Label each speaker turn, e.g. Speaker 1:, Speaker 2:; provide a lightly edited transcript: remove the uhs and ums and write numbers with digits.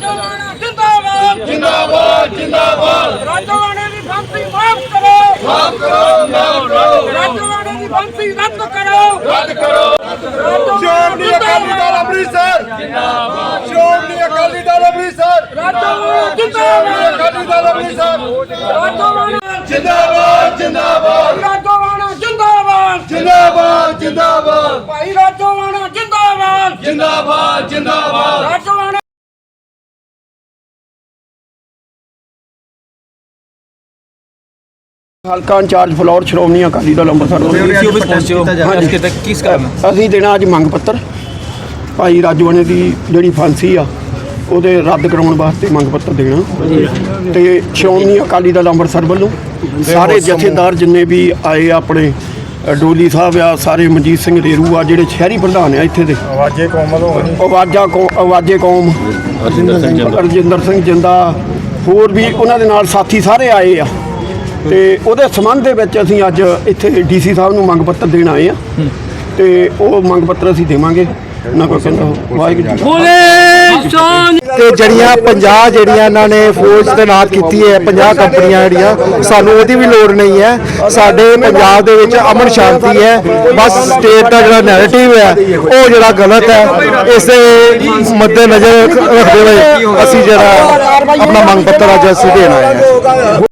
Speaker 1: जिंदाबाद जिंदाबाद जिंदाबाद राजवाड़े की फांसी माफ करो राजवाड़े की फांसी रद्द करो
Speaker 2: श्रोमणी अकाली दल अमृतसर जिंदाबाद श्रोमणी अकाली दल अमृतसर श्रोमणी अकाली दल अमृतसर जिंदाबाद जिंदाबाद
Speaker 1: राजवाड़ा जिंदाबाद
Speaker 2: जिंदाबाद जिंदाबाद
Speaker 1: भाई राजवाड़ा जिंदाबाद
Speaker 2: जिंदाबाद जिंदाबाद
Speaker 1: राजवाड़ा
Speaker 3: ਹਲਕਾ ਇੰਚਾਰਜ ਫਲੋਰ ਸ਼੍ਰੋਮਣੀ ਅਕਾਲੀ ਦਲ ਅੰਮ੍ਰਿਤਸਰ ਅਸੀਂ ਦੇਣਾ ਅੱਜ ਮੰਗ ਪੱਤਰ ਭਾਈ ਰਾਜਵਾੜੇ ਦੀ ਜਿਹੜੀ ਫਾਂਸੀ ਆ ਉਹਦੇ ਰੱਦ ਕਰਾਉਣ ਵਾਸਤੇ ਮੰਗ ਪੱਤਰ ਦੇਣਾ ਤੇ ਸ਼੍ਰੋਮਣੀ ਅਕਾਲੀ ਦਲ ਅੰਮ੍ਰਿਤਸਰ ਵੱਲੋਂ ਸਾਰੇ ਜਥੇਦਾਰ ਜਿੰਨੇ ਵੀ ਆਏ ਆਪਣੇ ਡੋਲੀ ਸਾਹਿਬ ਆ ਸਾਰੇ ਮਨਜੀਤ ਸਿੰਘ ਰੇਰੂ ਆ ਜਿਹੜੇ ਸ਼ਹਿਰੀ ਪ੍ਰਧਾਨ ਆ ਇੱਥੇ ਦੇ ਆਵਾਜ਼ੇ ਕੌਮ ਰਜਿੰਦਰ ਸਿੰਘ ਜਿੰਦਾ ਹੋਰ ਵੀ ਉਹਨਾਂ ਦੇ ਨਾਲ ਸਾਥੀ ਸਾਰੇ ਆਏ ਆ ਤੇ ਉਹਦੇ ਸੰਬੰਧ ਦੇ ਵਿੱਚ ਅਸੀਂ ਅੱਜ ਇੱਥੇ ਡੀਸੀ ਸਾਹਿਬ ਨੂੰ ਮੰਗ ਪੱਤਰ ਦੇਣ ਆਏ ਆ ਤੇ ਉਹ ਮੰਗ ਪੱਤਰ ਅਸੀਂ ਦੇਵਾਂਗੇ ਉਹਨਾਂ ਕੋਲ ਕਹਿੰਦਾ ਵਾਹਿਗੁਰੂ
Speaker 4: ਤੇ ਜਿਹੜੀਆਂ 50 ਜਿਹੜੀਆਂ ਇਹਨਾਂ ਨੇ ਫੌਜ ਤੈਨਾਤ ਕੀਤੀ ਹੈ 50 ਕੰਪਨੀਆਂ ਜਿਹੜੀਆਂ ਸਾਨੂੰ ਉਹਦੀ ਵੀ ਲੋੜ ਨਹੀਂ ਹੈ। ਸਾਡੇ ਪੰਜਾਬ ਦੇ ਵਿੱਚ ਅਮਨ ਸ਼ਾਂਤੀ ਹੈ। ਬਸ ਸਟੇਟ ਦਾ ਜਿਹੜਾ ਨੈਰੇਟਿਵ ਹੈ ਉਹ ਜਿਹੜਾ ਗਲਤ ਹੈ। ਇਸੇ ਮੱਦੇ ਨਜ਼ਰ ਰੱਖਦੇ ਹੋਏ ਅਸੀਂ ਜਿਹੜਾ ਆਪਣਾ ਮੰਗ ਪੱਤਰ ਅੱਜ ਅਸੀਂ ਦੇਣ ਆਏ ਹਾਂ।